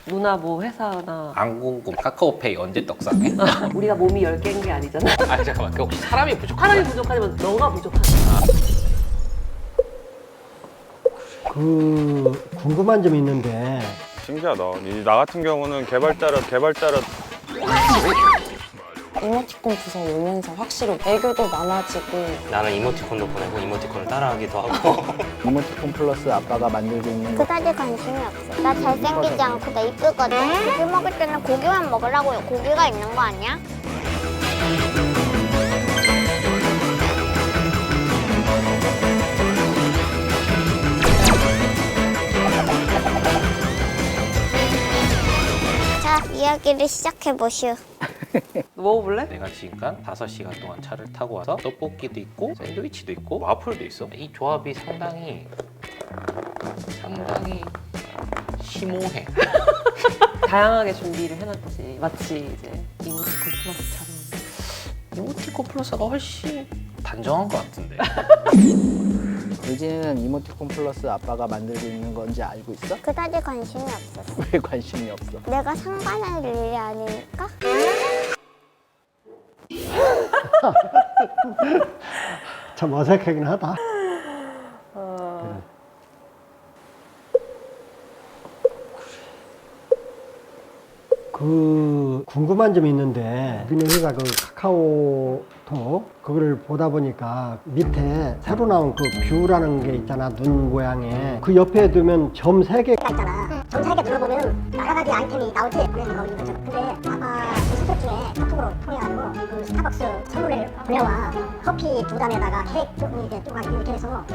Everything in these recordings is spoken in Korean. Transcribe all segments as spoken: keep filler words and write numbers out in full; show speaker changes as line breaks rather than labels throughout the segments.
누나 뭐 회사나
안 궁금. 카카오페이 언제 떡상해?
우리가 몸이 열 개인 게 아니잖아.
아니 잠깐만. 그 혹시 사람이 부족한
사람이
거야?
부족하지만 너가 부족하다.
그 궁금한 점이 있는데
신기하다. 이- 나 같은 경우는 개발자라 개발자라
이모티콘 구성 오면서 확실히 애교도 많아지고
나는 이모티콘도 보내고 이모티콘을 따라하기도 하고
이모티콘 플러스 아빠가 만들고 있는 거.
그다지 관심이 없어. 나 잘생기지 않고 나 이쁘거든. 고기 먹을 때는 고기만 먹으라고요. 고기가 있는 거 아니야? 자, 이야기를 시작해 보시오.
먹어볼래?
내가 지금까지 다섯 시간 동안 차를 타고 와서 떡볶이도 있고 샌드위치도 있고 와플도 있어. 이 조합이 상당히 상당히 심오해.
다양하게 준비를 해놨지. 마치 이제 이모티콘 플러스처럼.
이모티콘 플러스가 훨씬 단정한 것 같은데.
의진이는 이모티콘 플러스 아빠가 만들고 있는 건지 알고 있어?
그다지 관심이 없었어.
왜 관심이 없어?
내가 상관할 일이 아니니까.
참 어색하긴 하다. 그 궁금한 점이 있는데 우리는 회사 그 카카오톡 그거를 보다 보니까 밑에 새로 나온 그 뷰라는 게 있잖아. 눈 모양에 그 옆에 두면 점 세 개
있잖아. 전 세계 들어보면 여러 가지 아이템이 나오지. 그래서 거기 거죠. 근데 아빠 그 스톡 중에 카톡으로 통해가지고 그 스타벅스 선물을 보내와 커피 두 잔에다가 케이크 조금 이렇게 쪼가지고 이렇게 해서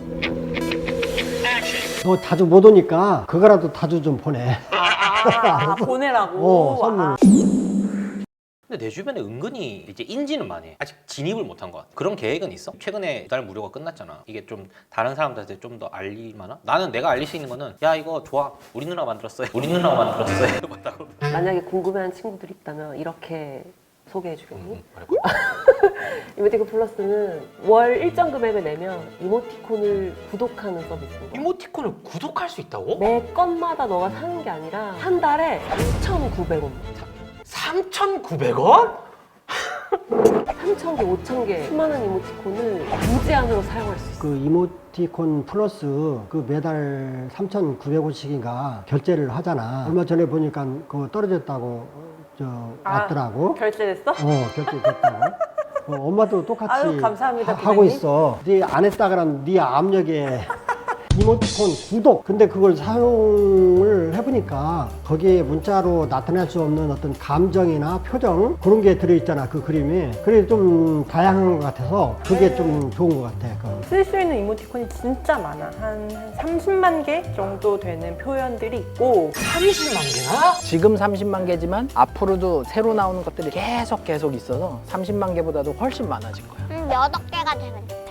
너 자주 못 오니까 그거라도 자주 좀 보내.
아, 보내라고.
어, 선물.
근데 내 주변에 은근히 이제 인지는 많이 해. 아직 진입을 못한 것 같아. 그런 계획은 있어? 최근에 두 달 무료가 끝났잖아. 이게 좀 다른 사람들한테 좀 더 알릴만한? 나는 내가 알릴 수 있는 거는 야 이거 좋아. 우리 누나 만들었어요. 우리 누나가 만들었어요. 맞다고.
만약에 궁금해하는 친구들이 있다면 이렇게 소개해주겠니?
음, 말해봐.
이모티콘 플러스는 월 일정 금액을 내면 이모티콘을 구독하는 서비스인 거야.
이모티콘을 구독할 수 있다고?
매 건마다 너가 사는 게 아니라 한 달에 삼천구백 원.
삼천구백 원?
삼천 개, 오천 개, 수많은 이모티콘을 무제한으로 사용할 수 있어.
그 이모티콘 플러스 그 매달 삼천구백 원씩인가 결제를 하잖아. 얼마 전에 보니까 그거 떨어졌다고 저
아,
왔더라고.
결제됐어?
어, 결제됐다고. 어, 엄마도 똑같이
아유, 감사합니다,
하, 하고
부장님.
있어. 네 안 했다 그러면 네 압력에 이모티콘 구독. 근데 그걸 사용을 해보니까 거기에 문자로 나타낼 수 없는 어떤 감정이나 표정 그런 게 들어있잖아. 그 그림이. 그래 좀 다양한 것 같아서 그게 좀 좋은 것 같아. 그건.
쓸 수 있는 이모티콘이 진짜 많아. 한, 한 삼십만 개 정도 되는 표현들이 있고
삼십만 개나?
지금 삼십만 개지만 앞으로도 새로 나오는 것들이 계속 계속 있어서 삼십만 개보다도 훨씬 많아질 거야.
음, 몇 억 개가 되면 좋겠다.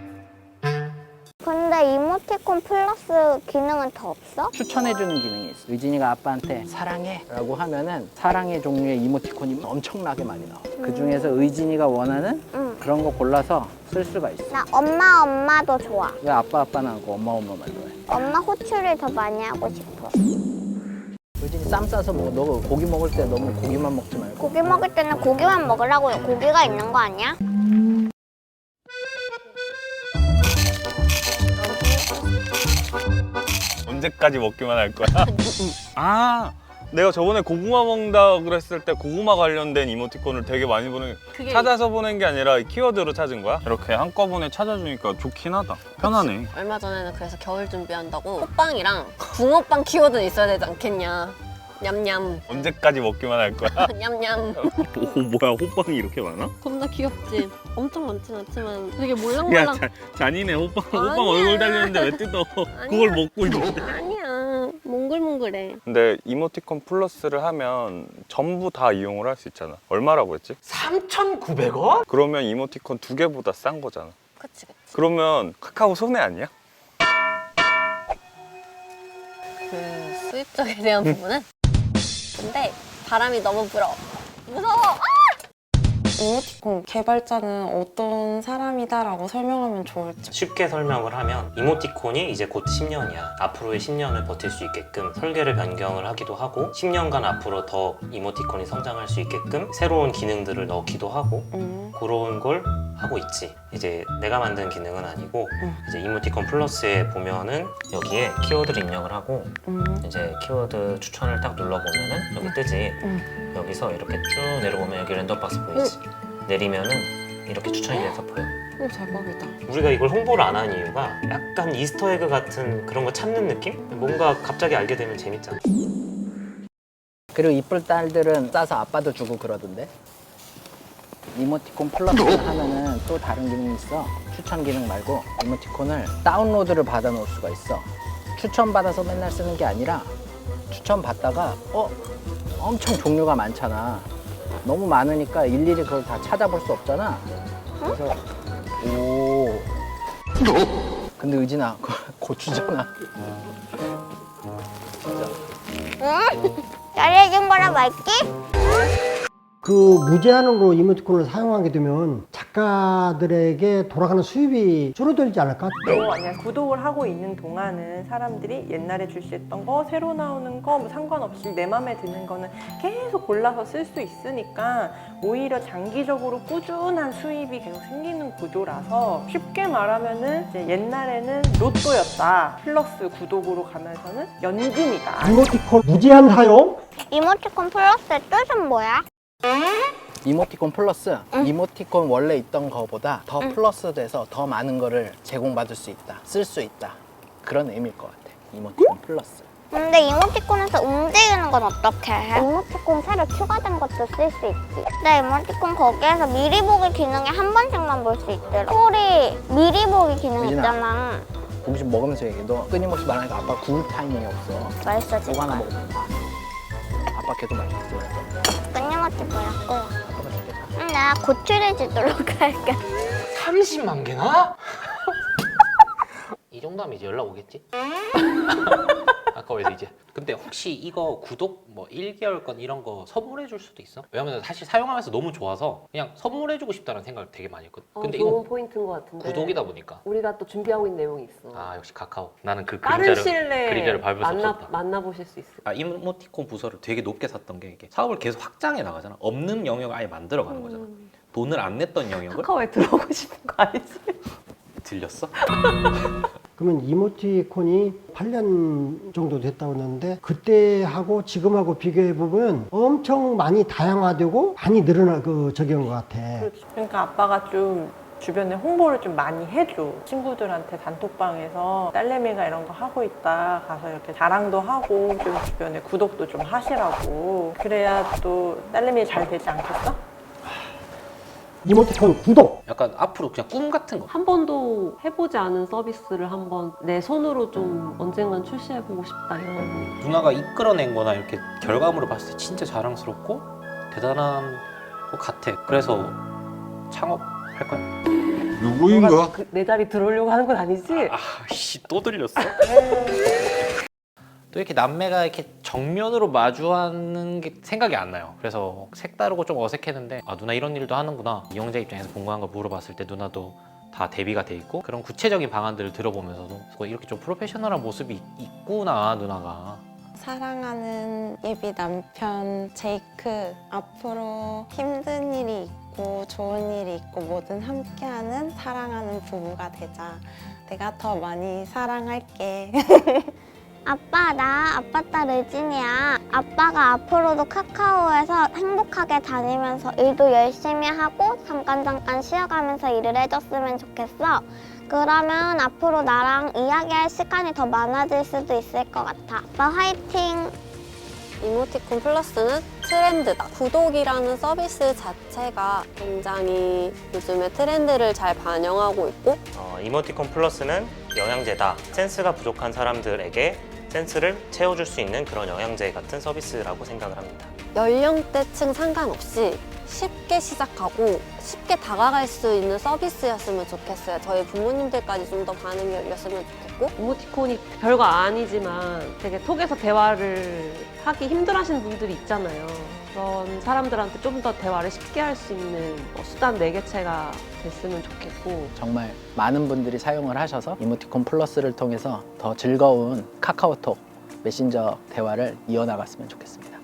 근데 이모티콘 플러스 기능은 더 없어?
추천해주는 기능이 있어. 의진이가 아빠한테 사랑해 라고 하면은 사랑의 종류의 이모티콘이 엄청나게 많이 나와. 그 중에서 의진이가 원하는
응.
그런 거 골라서 쓸 수가 있어.
나 엄마 엄마도 좋아.
왜 아빠 아빠는 하고 엄마 엄마만 좋아해?
엄마 호출을 더 많이 하고 싶어.
의진이 쌈 싸서 먹어. 너 고기 먹을 때 너무 고기만 먹지 말고.
고기 먹을 때는 고기만 먹으라고요. 고기가 있는 거 아니야?
언제까지 먹기만 할 거야? 아, 내가 저번에 고구마 먹는다 그랬을 때 고구마 관련된 이모티콘을 되게 많이 보내
그게
찾아서 보낸 게 아니라 키워드로 찾은 거야? 이렇게 한꺼번에 찾아주니까 좋긴 하다. 편하네.
얼마 전에는 그래서 겨울 준비한다고 호빵이랑 붕어빵 키워드는 있어야 되지 않겠냐. 냠냠
언제까지 먹기만 할 거야?
냠냠.
오, 뭐야, 호빵이 이렇게 많아?
겁나 귀엽지? 엄청 많진 않지만 되게
야,
몰랑몰랑.
자, 잔인해. 호빵, 호빵
아니야.
얼굴 달렸는데 왜 뜯어?
아니야.
그걸 먹고 있는데.
아니야, 몽글몽글해.
근데 이모티콘 플러스를 하면 전부 다 이용을 할 수 있잖아. 얼마라고 했지?
삼천구백 원?
그러면 이모티콘 두 개보다 싼 거잖아.
그치 그치.
그러면 카카오 손해 아니야?
그 수입적에 대한 부분은 근데 바람이 너무 불어. 무서워. 아!
이모티콘 개발자는 어떤 사람이다라고 설명하면 좋을지.
쉽게 설명을 하면 이모티콘이 이제 곧 십 년이야. 앞으로의 십 년을 버틸 수 있게끔 설계를 변경을 하기도 하고 십 년간 앞으로 더 이모티콘이 성장할 수 있게끔 새로운 기능들을 넣기도 하고
음.
그런 걸 하고 있지. 이제 내가 만든 기능은 아니고
음.
이제 이모티콘 플러스에 보면은 여기에 키워드를 입력을 하고
음.
이제 키워드 추천을 딱 눌러보면은 여기 뜨지.
음.
여기서 이렇게 쭉 내려보면 여기 랜덤박스 보이지. 내리면은 이렇게 추천이 돼서 보여.
오, 대박이다.
우리가 이걸 홍보를 안 한 이유가 약간 이스터에그 같은 그런 거 찾는 느낌? 뭔가 갑자기 알게 되면 재밌잖아.
그리고 이쁠 딸들은 싸서 아빠도 주고 그러던데. 이모티콘 플러스 하면은 또 다른 기능이 있어. 추천 기능 말고 이모티콘을 다운로드를 받아 놓을 수가 있어. 추천 받아서 맨날 쓰는 게 아니라 추천 받다가 어? 엄청 종류가 많잖아. 너무 많으니까 일일이 그걸 다 찾아볼 수 없잖아. 그래서 오. 근데 의진아, 그거 고추잖아.
응? 잘해준 거라 말기?
그 무제한으로 이모티콘을 사용하게 되면 작가들에게 돌아가는 수입이 줄어들지 않을까?
또 만약 구독을 하고 있는 동안은 사람들이 옛날에 출시했던 거, 새로 나오는 거 뭐 상관없이 내 맘에 드는 거는 계속 골라서 쓸 수 있으니까 오히려 장기적으로 꾸준한 수입이 계속 생기는 구조라서 쉽게 말하면은 이제 옛날에는 로또였다. 플러스 구독으로 가면서는 연금이다.
이모티콘 무제한 사용?
이모티콘 플러스의 뜻은 뭐야?
이모티콘 플러스,
응.
이모티콘 원래 있던 거보다 더
응.
플러스 돼서 더 많은 거를 제공받을 수 있다, 쓸 수 있다, 그런 의미일 것 같아. 이모티콘 플러스.
근데 이모티콘에서 움직이는 건 어떻게 해? 이모티콘 새로 추가된 것도 쓸 수 있지. 근데 이모티콘 거기에서 미리 보기 기능에 한 번씩만 볼 수 있더라. 소리 미리 보기 기능
유진아.
있잖아.
공식 먹으면서 얘기해. 너 끊임없이 말하니까 아빠 구울 타이밍이 없어.
맛있어
이거 하나
진짜.
먹으면 아빠 계속 맛있어.
끊임없이 보였고.
아빠가 좋겠다.
응, 나 고추를 주도록 할게.
삼십만 개나? 이 정도면 이제 연락 오겠지? 아까워서 이제. 근데 혹시 이거 구독 뭐 일 개월권 이런 거 선물해 줄 수도 있어? 왜냐면 사실 사용하면서 너무 좋아서 그냥 선물해 주고 싶다는 생각을 되게 많이 했거든.
어,
근데
좋은
이거
포인트인 것 같은데.
구독이다 보니까.
우리가 또 준비하고 있는 내용이 있어.
아 역시 카카오. 나는 그
빠른
그림자를
시일내에
그림자를 밟을 수
만나,
없었다.
만나보실 수 있을
아, 이모티콘 부서를 되게 높게 샀던 게 이게 사업을 계속 확장해 나가잖아. 없는 영역을 아예 만들어가는 거잖아. 돈을 안 냈던 영역을
카카오에 들어오고 싶은 거 아니지?
들렸어?
그러면 이모티콘이 팔 년 정도 됐다고 했는데 그때하고 지금하고 비교해 보면 엄청 많이 다양화되고 많이 늘어나 그 적인 것 같아.
그렇지. 그러니까 아빠가 좀 주변에 홍보를 좀 많이 해줘. 친구들한테 단톡방에서 딸내미가 이런 거 하고 있다 가서 이렇게 자랑도 하고 좀 주변에 구독도 좀 하시라고. 그래야 또 딸내미 잘 되지 않겠어?
이모티콘 구독!
약간 앞으로 그냥 꿈 같은 거.
한 번도 해보지 않은 서비스를 한번 내 손으로 좀 언젠간 출시해보고 싶다 이런.
누나가 이끌어낸 거나 이렇게 결과물을 봤을 때 진짜 자랑스럽고 대단한 것 같아. 그래서 창업할 거야.
누구인가? 그, 내 자리 들어오려고 하는 건 아니지?
아씨 또 들렸어? 또 이렇게 남매가 이렇게 정면으로 마주하는 게 생각이 안 나요. 그래서 색다르고 좀 어색했는데 아 누나 이런 일도 하는구나. 이용자 입장에서 궁금한 걸 물어봤을 때 누나도 다 대비가 돼 있고 그런 구체적인 방안들을 들어보면서도 이렇게 좀 프로페셔널한 모습이 있, 있구나 누나가.
사랑하는 예비 남편 제이크, 앞으로 힘든 일이 있고 좋은 일이 있고 뭐든 함께하는 사랑하는 부부가 되자. 내가 더 많이 사랑할게.
아빠, 나 아빠 딸 의진이야. 아빠가 앞으로도 카카오에서 행복하게 다니면서 일도 열심히 하고 잠깐 잠깐 쉬어가면서 일을 해줬으면 좋겠어. 그러면 앞으로 나랑 이야기할 시간이 더 많아질 수도 있을 것 같아. 아빠 화이팅!
이모티콘 플러스는 트렌드다. 구독이라는 서비스 자체가 굉장히 요즘의 트렌드를 잘 반영하고 있고
어, 이모티콘 플러스는 영양제다. 센스가 부족한 사람들에게 센스를 채워줄 수 있는 그런 영양제 같은 서비스라고 생각을 합니다.
연령대층 상관없이 쉽게 시작하고 쉽게 다가갈 수 있는 서비스였으면 좋겠어요. 저희 부모님들까지 좀 더 반응이 열렸으면 좋겠고.
이모티콘이 별거 아니지만 되게 톡에서 대화를 하기 힘들어하시는 분들이 있잖아요. 그런 사람들한테 좀 더 대화를 쉽게 할 수 있는 뭐 수단 매개체가 됐으면 좋겠고.
정말 많은 분들이 사용을 하셔서 이모티콘 플러스를 통해서 더 즐거운 카카오톡 메신저 대화를 이어나갔으면 좋겠습니다.